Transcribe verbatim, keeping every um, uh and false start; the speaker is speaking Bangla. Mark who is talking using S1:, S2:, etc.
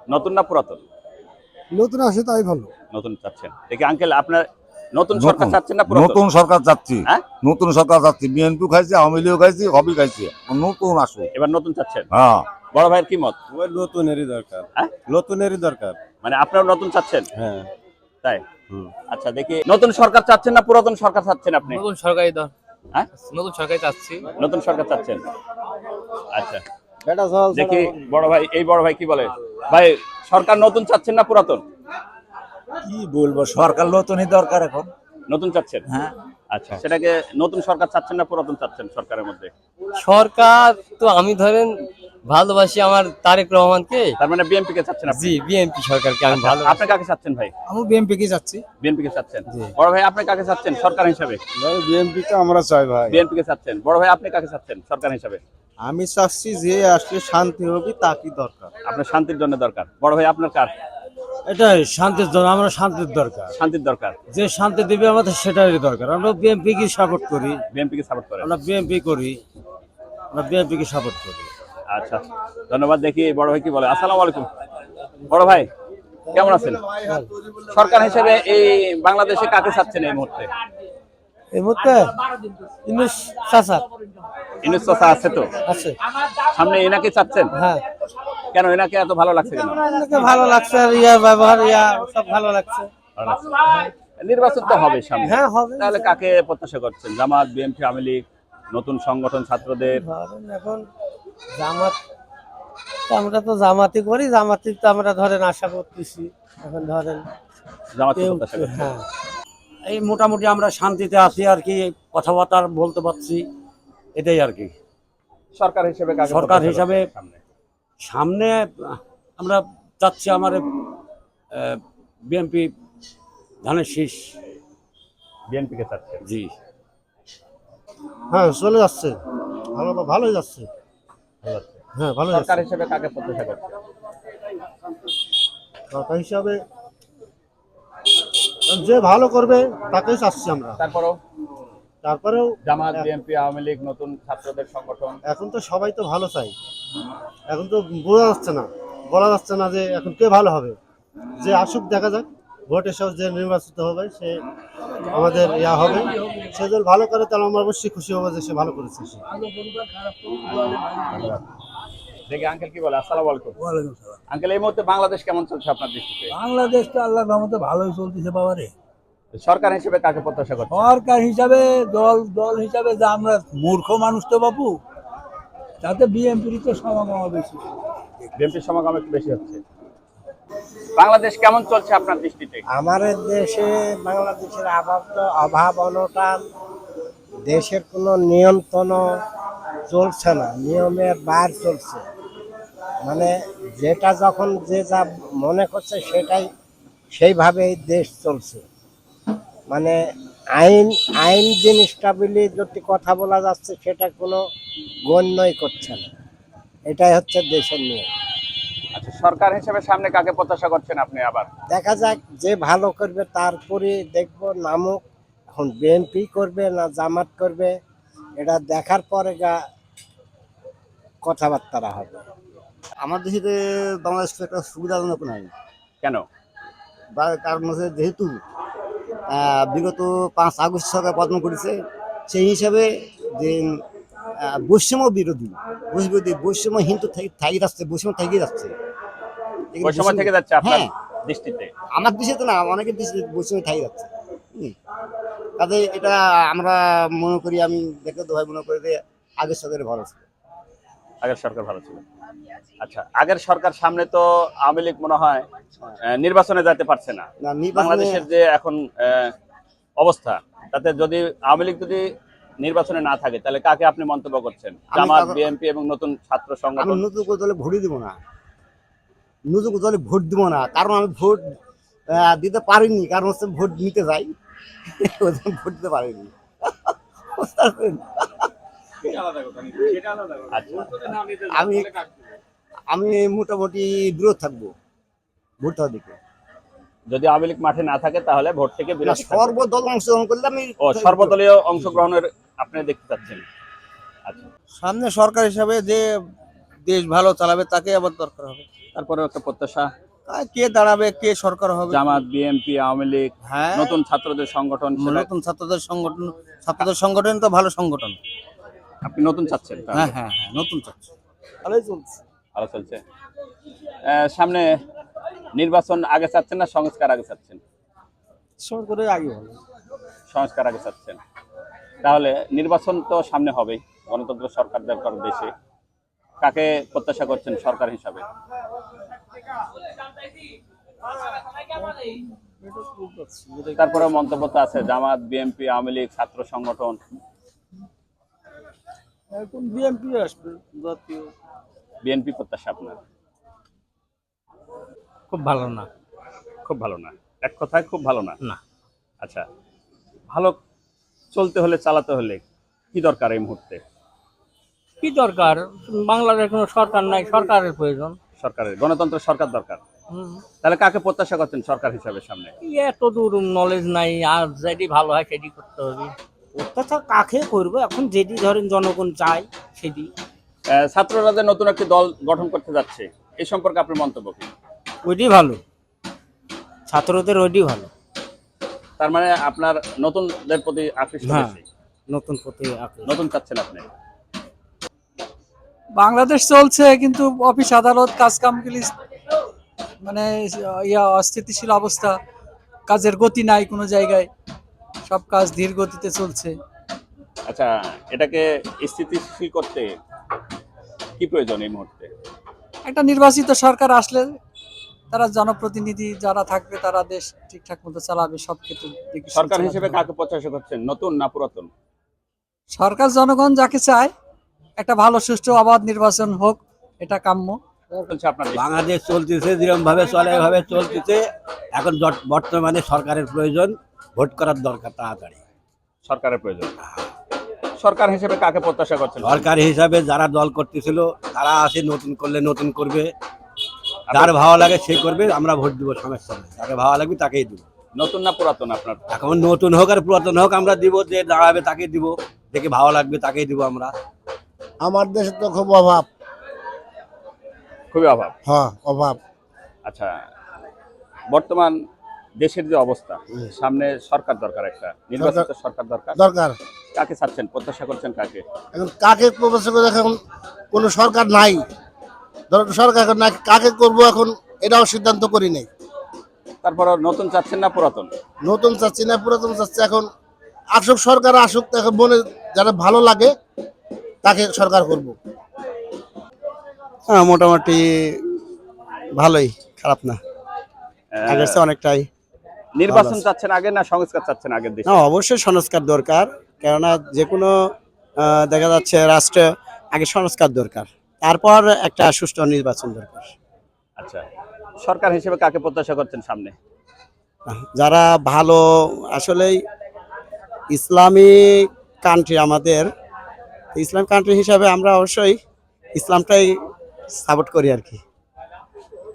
S1: নতুন না পুরাতন?
S2: নতুন আসে তাই ভালো।
S1: নতুন চাচ্ছেন। দেখি আঙ্কেল আপনার নতুন সরকার চাচ্ছেন না পুরাতন?
S3: নতুন সরকার চাচ্ছি।
S1: হ্যাঁ?
S3: নতুন সরকার চাচ্ছি। বিএনপি খাইছে, আওয়ামী লীগ খাইছে, হবি খাইছে। নতুন আসুক।
S1: এবার নতুন চাচ্ছেন?
S3: হ্যাঁ।
S1: বড় ভাইয়ের কি মত?
S4: ওই নতুনেরই দরকার।
S1: হ্যাঁ?
S4: নতুনেরই দরকার।
S1: মানে আপনারাও নতুন চাচ্ছেন?
S4: হ্যাঁ।
S1: তাই? আচ্ছা দেখি নতুন সরকার চাচ্ছেন না পুরাতন সরকার চাচ্ছেন আপনি?
S5: নতুন সরকারই দর
S1: হ্যাঁ?
S5: নতুন সরকারই চাচ্ছি।
S1: নতুন সরকার চাচ্ছেন। আচ্ছা।
S4: বেটা চল
S1: দেখি বড় ভাই এই বড় ভাই কি বলে? ভাই সরকার নতুন চাচ্ছেন না পুরাতন?
S6: কি বলবো, সরকার নতুনই দরকার এখন।
S1: নতুন চাচ্ছেন?
S6: হ্যাঁ।
S1: আচ্ছা সেটাকে নতুন সরকার চাচ্ছেন না পুরাতন চাচ্ছেন সরকারের মধ্যে?
S5: সরকার তো আমি ধরেন ভালোবাসি আমার তারেক রহমানকে।
S1: তার মানে বিএনপি কে চাচ্ছেন আপনি?
S5: জি, বিএনপি সরকারকে আমি ভালো।
S1: আপনি কাকে চাচ্ছেন ভাই?
S2: আমি বিএনপি কে যাচ্ছি।
S1: বিএনপি কে চাচ্ছেন? বড় ভাই আপনি কাকে চাচ্ছেন সরকার হিসেবে?
S4: ভাই বিএনপি তো আমরা চাই ভাই।
S1: বিএনপি কে চাচ্ছেন। বড় ভাই আপনি কাকে চাচ্ছেন সরকার হিসেবে?
S4: আমি চাচ্ছি যে আসলে শান্তি হবে তারই দরকার।
S1: আপনার শান্তির জন্য দরকার। বড় ভাই আপনার কার?
S7: এটাই শান্তির জন্য, আমরা শান্তির দরকার।
S1: শান্তির দরকার।
S7: যে শান্তি দেবে আমাদের সেটাই দরকার। আমরা বিএনপি কে সাপোর্ট করি।
S1: বিএনপি কে সাপোর্ট করেন?
S7: আমরা বিএনপি করি, আমরা বিএনপি কে সাপোর্ট করি।
S1: আচ্ছা ধন্যবাদ। দেখি বড় ভাই কি বলে। আসসালামু আলাইকুম। বড় ভাই কেমন আছেন? সরকার হিসেবে এই বাংলাদেশে কাকে চাচ্ছেন এই মুহূর্তে?
S7: এই মুহূর্তে ইউনূস চাচা
S1: ইউনূস চাচা আছে তো?
S7: আছে।
S1: সামনে এনাকে চাচ্ছেন?
S7: হ্যাঁ।
S1: কেন এনাকে এত ভালো লাগছে কেন?
S7: আমাকে ভালো লাগছে, আর ইয়া ব্যবহার ইয়া সব ভালো লাগছে।
S1: ভালো লাগছে। নির্বাচন তো হবে সামনে।
S7: হ্যাঁ হবে।
S1: তাহলে কাকে প্রত্যাশা করছেন? জামাত, বিএনপি, আওয়ামী লীগ, নতুন সংগঠন ছাত্রদের?
S7: ধরেন এখন জামাত, আমরা তো জামাতি করি, জামাতি তো আমরা ধরেন আশা করতেছি। এখন ধরেন
S1: জামাতকে
S7: কেউ-
S1: প্রত্যাশা করছেন?
S7: হ্যাঁ
S6: এই মোটামুটি আমরা শান্তিতে আছি আর কি, কথাবার্তা বলতে পারছি, এটাই আর কি।
S1: সরকার হিসেবে কাকে
S6: সরকার
S1: প্রত্যাশা
S6: হিসাবে
S1: করছেন সামনে?
S6: সামনে আমরা চাচ্ছি আমার বিএনপি ধানের শীষ।
S1: বিএনপি কে চাচ্ছেন?
S6: জি।
S2: হ্যাঁ চলে যাচ্ছে, ভালো ভালোই যাচ্ছে।
S1: ভালো লাগছে।
S2: হ্যাঁ ভালো
S1: সরকার
S2: যাচ্ছে।
S1: হিসেবে কাকে প্রত্যাশা করছেন?
S2: সরকার হিসাবে যে ভালো করবে তাকেই চাচ্ছি আমরা।
S1: তারপরও
S2: তারপরেও
S1: জামাত, বিএনপি, আওয়ামী লীগ, নতুন ছাত্রদের সংগঠন?
S2: এখন তো সবাই তো ভালো চাই। এখন তো বোঝা যাচ্ছে না, বলা যাচ্ছে না যে এখন কে ভালো হবে। যে আসুক দেখা যাক, ভোটের সব যে নির্বাচিত হবে সে আমাদের ইয়া হবে। সে যদি ভালো করে তাহলে আমরা অবশ্যই খুশি হবো যে সে ভালো করেছে। সে
S1: দেখি আঙ্কেল কি বলে। আসসালামু আলাইকুম।
S8: ওয়ালাইকুম সালাম।
S1: আঙ্কেল এই মুহূর্তে বাংলাদেশ কেমন চলছে আপনার দৃষ্টিতে?
S8: বাংলাদেশ তো আল্লাহর রহমতে ভালোই চলতেছে বাবারে।
S1: সরকার হিসেবে কাকে প্রত্যাশা করছেন?
S8: সরকার হিসাবে দল দল হিসাবে যে আমরা মূর্খ মানুষ তো বাবু, তাতে বিএনপির তো সমাগম বেশি।
S1: বিএনপির সমাগম একটু বেশি হচ্ছে। বাংলাদেশ কেমন চলছে আপনার দৃষ্টিতে?
S9: আমাদের দেশে বাংলাদেশের অভাব তো অভাব অনটন, দেশের কোনো নিয়ন্ত্রণ চলছে না, নিয়মের বাইরে চলছে। মানে যেটা যখন যে যা মনে করছে সেটাই সেইভাবেই দেশ চলছে। মানে আইন আইন জিনিসটা বলে যদি কথা বলা যাচ্ছে সেটা কোনো গণ্যই করছে না। এটাই হচ্ছে দেশের নিয়ম।
S1: আচ্ছা সরকার হিসেবে সামনে কাকে প্রত্যাশা করছেন আপনি আবার?
S9: দেখা যাক যে ভালো করবে তারপরে দেখবো নামক। এখন বিএনপি করবে না জামাত করবে এটা দেখার পরে গা কথাবার্তা হবে।
S10: আমার দেশে বাংলাদেশ একটা সুবিধাজনক নাই।
S1: কেন?
S10: কারণ হচ্ছে যেহেতু বিগত পাঁচ আগস্ট সরকার পতন করেছে, সেই হিসাবে যে বৈষম্য বিরোধী বিরোধী বৈষম্য হিন্দু থাকি যাচ্ছে, বৈষম্য থেকে যাচ্ছে।
S1: বৈষম্য থেকে যাচ্ছে আপনার দৃষ্টিতে?
S10: আমার দেশে তো না, অনেকের দেশে বৈষম্য থেকে যাচ্ছে। কাজে এটা আমরা মনে করি, আমি দেখে তো ভাই মনে করি যে আগের সরকারের ভালো ছিল।
S1: আগের সরকার ভালো ছিল। আচ্ছা আগের সরকার সামনে তো আওয়ামী লীগ মনে হয় নির্বাচনে যেতে পারছে না। বাংলাদেশের যে এখন অবস্থা তাতে যদি আওয়ামী লীগ যদি নির্বাচনে না থাকে তাহলে কাকে আপনি মন্তব্য করছেন? জামাত, বিএনপি এবং নতুন ছাত্র সংগঠন?
S10: আমি নতুন দলে ভোটই দিব না, নতুন দলে ভোট দিব না। কারণ আমি ভোট দিতে পারিনি, কারণ হচ্ছে ভোট নিতে যাই, ভোট দিতে পারিনি। আমি আমি মোটামুটি বিরোধ থাকবো ভোট দেওয়ার দিকে।
S1: যদি আওয়ামী লীগ মাঠে না থাকে তাহলে ভোট থেকে বিরত থাকবেন।
S10: সর্বদল অংশগ্রহণ করলে আমি
S1: ও সর্বদলীয় অংশগ্রহণের আপনি দেখতে চাচ্ছেন। আচ্ছা
S7: সামনে সরকার হিসাবে যে দেশ ভালো চালাবে তাকে আবার দরকার হবে।
S1: তারপরে একটা প্রত্যাশা,
S4: আর কে দাঁড়াবে, কে সরকার হবে?
S1: জামাত, বিএনপি, আওয়ামী লীগ,
S4: হ্যাঁ,
S1: নতুন ছাত্রদের সংগঠন, সেটা
S4: নতুন ছাত্রদের সংগঠন, ছাত্রদের সংগঠন তো ভালো সংগঠন।
S1: আপনি নতুন চাচ্ছেন? তাহলে?
S4: হ্যাঁ হ্যাঁ হ্যাঁ, নতুন চাচ্ছি।
S7: ভালোই চলছে।
S1: ভালো চলছে। আহ, সামনে নির্বাচন আগে চাচ্ছেন না সংস্কার আগে চাচ্ছেন?
S7: সরকারের আগে ভালো।
S1: সংস্কার আগে চাচ্ছেন। তাহলে নির্বাচন তো সামনে হবেই, গণতন্ত্র সরকার দরকার দেশে। কাকে প্রত্যাশা করছেন সরকার হিসাবে? তারপরে মন্তব্য তো আছে জামাত, বিএনপি, আওয়ামী লীগ, ছাত্র সংগঠন।
S7: এখন বিএনপি আসবে, জাতীয়।
S1: বিএনপি প্রত্যাশা আপনার?
S5: খুব ভালো না।
S1: খুব ভালো না, এক কথায় খুব ভালো না।
S5: না।
S1: আচ্ছা, ভালো চলতে হলে, চালাতে হলে কি দরকার এই মুহূর্তে?
S5: কি দরকার? বাংলাদেশের কোনো সরকার নাই, সরকারের প্রয়োজন।
S1: সরকারের গণতন্ত্র সরকার দরকার। তাহলে কাকে প্রত্যাশা করছেন সরকার হিসাবে সামনে?
S5: এত দূর নলেজ নাই, আর যেটি ভালো হয় সেটি করতে হবে।
S7: অত্যাচার কাকে করবো এখন, যেটি ধরেন জনগণ চায় সেটি।
S1: আহ, ছাত্ররা যে নতুন একটি দল গঠন করতে যাচ্ছে, এই সম্পর্কে আপনার মন্তব্য কি?
S7: ওইটি ভালো, ছাত্রদের ওইটি ভালো।
S1: তার মানে আপনার নতুনদের প্রতি আকৃষ্ট
S7: হ্যাঁ।
S1: বেশি।
S7: নতুন প্রতি আকৃষ্ট।
S1: নতুন চাচ্ছেন আপনি?
S8: বাংলাদেশ চলছে কিন্তু অফিস আদালত কাজ কামগুলি মানে ইয়া অস্থিতিশীল অবস্থা, কাজের গতি নাই কোনো জায়গায়, সব কাজ ধীর গতিতে চলছে।
S1: আচ্ছা, এটাকে স্থিতিশীল করতে কি প্রয়োজন এই মুহূর্তে?
S8: একটা নির্বাচিত সরকার আসলে তারা জনপ্রতিনিধি যারা থাকবে তারা দেশ ঠিকঠাক মতো চালাবে, সব ক্ষেত্রে দেখে
S1: সরকার
S8: চালাবে।
S1: হিসেবে কাকে প্রত্যাশা করছেন, নতুন না পুরাতন?
S8: সরকার জনগণ যাকে চায়, একটা ভালো সুষ্ঠু অবাধ নির্বাচন হোক, এটা কাম্য।
S1: চলছে আপনার দেশে?
S6: বাংলাদেশ চলতেছে যেরকম ভাবে চলে এভাবে চলতেছে। এখন বর্ত- বর্তমানে সরকারের প্রয়োজন, ভোট করার দরকার তাড়াতাড়ি।
S1: সরকারের প্রয়োজন। সরকার হিসেবে কাকে প্রত্যাশা করছেন?
S6: সরকার হিসাবে যারা দল করতেছিল তারা আছে, নতুন করলে নতুন করবে, যার ভালো লাগে সে করবে, আমরা ভোট দিব, সমস্যা নেই। যাকে ভালো লাগবে তাকেই দিব।
S1: নতুন না পুরাতন আপনার?
S6: এখন নতুন হোক আর পুরাতন হোক আমরা দিব, যে দাঁড়াবে তাকেই দিব, দেখে ভালো লাগবে তাকেই দিব আমরা।
S9: আমার দেশে তো খুব অভাব।
S1: খুবই অভাব।
S9: হ্যাঁ, অভাব।
S1: আচ্ছা, বর্তমান দেশের যে অবস্থা, সামনে সরকার দরকার, একটা নির্বাচিত সরকার দরকার।
S9: দরকার।
S1: কাকে চাচ্ছেন, প্রত্যাশা করছেন কাকে?
S9: এখন কাকে প্রবেশ করে, এখন কোনো সরকার নাই, ধরো সরকার এখন নাই, কাকে করব এখন এটাও সিদ্ধান্ত করি নাই।
S1: তারপর নতুন চাচ্ছেন না পুরাতন?
S9: নতুন চাচ্ছি না পুরাতন চাচ্ছি, এখন আসুক সরকার, আসুক, এখন মনে যারা ভালো লাগে তাকে সরকার করব।
S4: হ্যাঁ, মোটামুটি ভালোই, খারাপ না,
S1: আহ,
S4: আগের চেয়ে অনেকটাই।
S1: নির্বাচন চাচ্ছেন আগে না সংস্কার চাচ্ছেন আগের দেশে?
S4: না, অবশ্যই সংস্কার দরকার, কেননা যে কোনো আহ, দেখা যাচ্ছে রাষ্ট্রে আগে সংস্কার দরকার, তারপর একটা সুষ্ঠু নির্বাচন দরকার।
S1: আচ্ছা, সরকার হিসেবে কাকে প্রত্যাশা করছেন সামনে?
S4: যারা ভালো, আসলেই ইসলামী কান্ট্রি আমাদের, ইসলাম কান্ট্রি হিসাবে আমরা অবশ্যই ইসলামটাই সাপোর্ট করি আর কি।